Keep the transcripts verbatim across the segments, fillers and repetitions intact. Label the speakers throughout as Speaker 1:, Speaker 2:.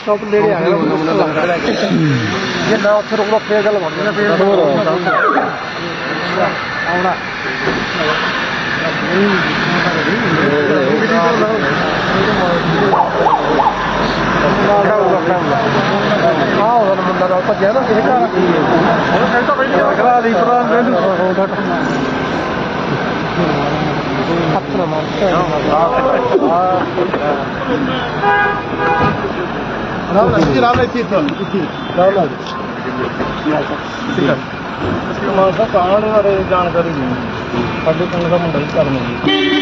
Speaker 1: stop नेड़े आ गया जे ना उत्थे रुकदा फिर गल बन जानी आउणा हाँ मुंडा ना भज्या ना किसी घरा दी हथ ना मार
Speaker 2: ਮਾਨਸਾ ਕਾਂਡ ਬਾਰੇ ਜਾਣਕਾਰੀ ਨਹੀਂ ਸਾਡੇ ਪਿੰਡ ਦਾ ਮੁੰਡਾ ਹੀ ਕਰਨ ਜੀ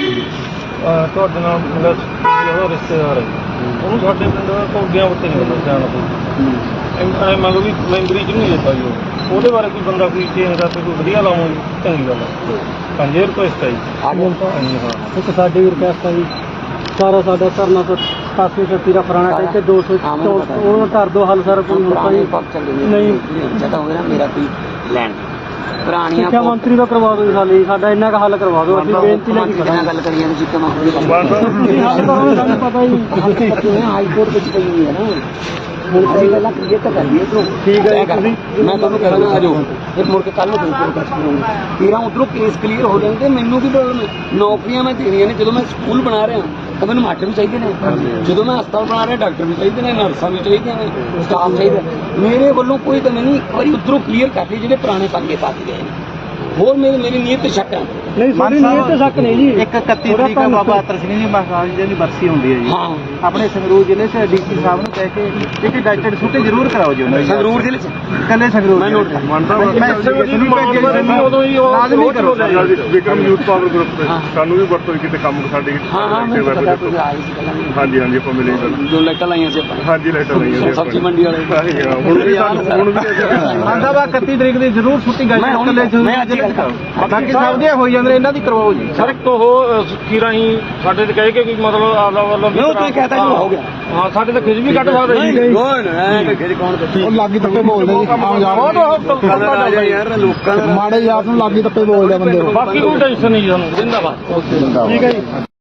Speaker 2: ਤੁਹਾਡੇ ਨਾਲ ਮੇਰਾ ਜਿਹੜਾ ਰਿਸ਼ਤੇਦਾਰ ਹੈ ਉਹਨੂੰ ਸਾਡੇ ਪਿੰਡ ਕੌਡੀਆਂ ਉੱਤੇ ਨਹੀਂ ਹੁੰਦਾ ਜਾਣ ਕੋਈ ਐਂ ਮੰਨ ਲਓ ਵੀ ਮੈਂਬਰੀ 'ਚ ਨਹੀਂ ਦਿੱਤਾ ਜੀ ਉਹ ਉਹਦੇ ਬਾਰੇ ਕੋਈ ਬੰਦਾ ਕੋਈ ਚੇਂਜ ਕਰਕੇ ਕੋਈ ਵਧੀਆ ਲਾਵਾਂ ਜੀ ਚੰਗੀ ਗੱਲ ਹੈ ਹਾਂਜੀ ਰਿਕੁਐਸਟ ਹੈ ਜੀ ਹਾਂਜੀ ਹਾਂ
Speaker 1: ਇੱਕ ਸਾਡੀ ਵੀ ਰਿਕੁਐਸਟ ਹੈ ਜੀ ਸਾਰਾ ਸਾਡਾ ਧਰਨਾ ਤੋਂ ਸਤਾਸੀ ਛੱਤੀ ਦਾ ਪੁਰਾਣਾ ਟੈਕ ਦੋ ਸੌ ਉਹ ਕਰ ਦੋ ਹੱਲ ਸਰ ਕੋਈ ਹੁਣ ਨਹੀਂ
Speaker 3: ਜਦ ਹੋਵੇ ਨਾ ਮੇਰਾ ਕੋਈ ਲੈਣ ਪੁਰਾਣੀਆਂ
Speaker 1: ਸਿੱਖਿਆ ਮੰਤਰੀ ਦਾ ਕਰਵਾ ਦਿਓ ਸਾਲੀ ਸਾਡਾ ਇੰਨਾ ਕੁ ਹੱਲ ਕਰਵਾ ਦਿਓ ਅਸੀਂ ਬੇਨਤੀ ਨਾਲ
Speaker 3: ਗੱਲ ਕਰੀਏ ਤੁਸੀਂ ਕਿਵੇਂ
Speaker 1: ਹੱਲ ਕਰੋ ਸਾਨੂੰ ਪਤਾ ਹੀ
Speaker 3: ਹਾਈ ਕੋਰਟ ਵਿੱਚ ਪਈ ਹੋਈ ਹੈ ਨਾ ਹੁਣ ਅਸੀਂ ਪਹਿਲਾਂ ਕਲੀਅਰ ਤਾਂ ਕਰੀਏ ਤੋਂ
Speaker 1: ਠੀਕ ਹੈ ਤੁਸੀਂ
Speaker 3: ਮੈਂ ਤੁਹਾਨੂੰ ਕਹਿਣਾ ਆ ਜਾਓ ਫਿਰ ਮੁੜ ਕੇ ਕੱਲ ਨੂੰ ਫਿਰ ਕੈਸ਼ ਕਰੂੰਗਾ ਤੇਰਾ ਉਧਰੋਂ ਕੇਸ ਕਲੀਅਰ ਹੋ ਜਾਂਦੇ ਮੈਨੂੰ ਵੀ ਪ੍ਰੋਬਲਮ ਹੈ ਨੌਕਰੀਆਂ ਮੈਂ ਦੇਣੀਆਂ ਨੇ ਜਦੋਂ ਮੈਂ ਸਕੂਲ ਬਣਾ ਰਿਹਾ ਤਾਂ ਮੈਨੂੰ ਮਾਸਟਰ ਵੀ ਚਾਹੀਦੇ ਨੇ ਜਦੋਂ ਮੈਂ ਹਸਪਤਾਲ ਬਣਾ ਰਿਹਾ ਡਾਕਟਰ ਵੀ ਚਾਹੀਦੇ ਨੇ ਨਰਸਾਂ ਵੀ ਚਾਹੀਦੀਆਂ ਨੇ ਸਟਾਫ ਚਾਹੀਦਾ ਮੇਰੇ ਵੱਲੋਂ ਕੋਈ ਤਾਂ ਨਹੀਂ ਇੱਕ ਵਾਰੀ ਉਧਰੋਂ ਕਲੀਅਰ ਕਰ ਲਈ ਜਿਹੜੇ ਪੁਰਾਣੇ ਪੰਗੇ ਪਾ ਕੇ ਗਏ ਨੇ ਹੋਰ ਮੇਰੇ ਮੇਰੀ ਨੀਅਤ ਤੇ ਸ਼ੱਕ ਹੈ
Speaker 1: ਨਹੀਂ ਸਾਡੀ ਨੀਅਤ ਤੇ ਸ਼ੱਕ ਨਹੀਂ ਜੀ
Speaker 2: ਇੱਕ ਇਕੱਤੀ ਤਰੀਕ ਨੂੰ ਬਾਬਾ ਅਤਰ ਸਿੰਘ ਜੀ ਮਹਾਰਾਜ ਜੀ ਦੀ ਬਰਸੀ ਹੁੰਦੀ ਹੈ ਜੀ
Speaker 3: ਹਾਂ
Speaker 2: ਆਪਣੇ ਸੰਗਰੂਰ ਜ਼ਿਲ੍ਹੇ 'ਚ ਡੀਸੀ ਸਾਹਿਬ ਨੂੰ ਕਹਿ ਕੇ ਇੱਕ ਡਾਕਟਰ ਛੁੱਟੀ ਜ਼ਰੂਰ ਕਰਾਓ ਜੀ ਉਹਨਾਂ
Speaker 3: ਸੰਗਰੂਰ ਜ਼ਿਲ੍ਹੇ 'ਚ
Speaker 2: ਕੱਲੇ ਸੰਗਰੂਰ ਮੈਂ ਨੋਟ ਮੰਨਦਾ ਉਦੋਂ ਹੀ ਲਾਜ਼ਮੀ ਕਰੋ
Speaker 4: ਵਿਕਰਮ ਯੂਥ ਪਾਵਰ ਗਰੁੱਪ ਤੇ ਸਾਨੂੰ ਵੀ ਵਰਤੋਂ ਕਿਤੇ ਕੰਮ ਸਾਡੇ
Speaker 3: ਹਾਂ ਹਾਂ ਮੈਨੂੰ ਪਤਾ ਤੁਸੀਂ ਆਏ ਸੀ ਪਹਿਲਾਂ
Speaker 4: ਹਾਂਜੀ ਹਾਂਜੀ ਆਪਾਂ ਮਿਲੇ
Speaker 3: ਜੋ ਲਾਈਟਾਂ ਲਾਈਆਂ ਸੀ ਆਪਾਂ
Speaker 4: ਹਾਂਜੀ ਲਾਈਟਾਂ ਲਾਈਆਂ ਸੀ
Speaker 3: ਸਬਜ਼ੀ ਮੰਡੀ ਵਾਲੇ
Speaker 4: ਹੁਣ ਵੀ ਸਾਨੂੰ ਹੁਣ ਵੀ
Speaker 2: ਆਂਦਾ ਵਾ ਇਕੱਤੀ ਤਰੀਕ ਦੀ ਜ਼ਰੂਰ ਛੁੱਟੀ ਗਾਈ ਕੱਲੇ
Speaker 3: ਮੈਂ ਅੱਜ ਗੱਲ ਕਰਾਂ
Speaker 2: ਬਾਕੀ ਸਭ ਦੀਆਂ ਹੋਈ ਜਾਂਦੇ ਇਹਨਾਂ ਦੀ ਕਰਵਾਓ ਜੀ ਸਰ ਇੱਕ ਉਹ ਕੀ ਰਾਹੀਂ ਸਾਡੇ ਤੇ ਕਹਿ ਕੇ ਵੀ ਮਤਲਬ ਆਪਦਾ ਵੱਲੋਂ
Speaker 3: ਮੈਂ ਉਹ ਤੁਸੀਂ ਕਹਤਾ ਹੋ ਗਿਆ
Speaker 2: ਹਾਂ ਸਾਡੇ ਤਾਂ ਖਿਜ ਵੀ ਕੱਢ ਸਕਦੇ ਜੀ
Speaker 3: ਕੌਣ ਐ ਖਿਜ ਕੌਣ
Speaker 1: ਉਹ ਲਾਗੀ ਤੱਕੇ ਬੋਲਦੇ ਜੀ ਆਮ
Speaker 3: ਯਾਰ ਲੋਕਾਂ
Speaker 1: ਮਾੜੇ ਯਾਰ ਨੂੰ ਲਾਗੀ ਤੱਕੇ ਬੋਲਦੇ ਬੰਦੇ
Speaker 2: ਬਾਕੀ ਕੋਈ ਟੈਨਸ਼ਨ ਨਹੀਂ ਸਾਨੂੰ ਜਿੰਦਾਬਾਦ
Speaker 1: ਠੀਕ ਹੈ ਜੀ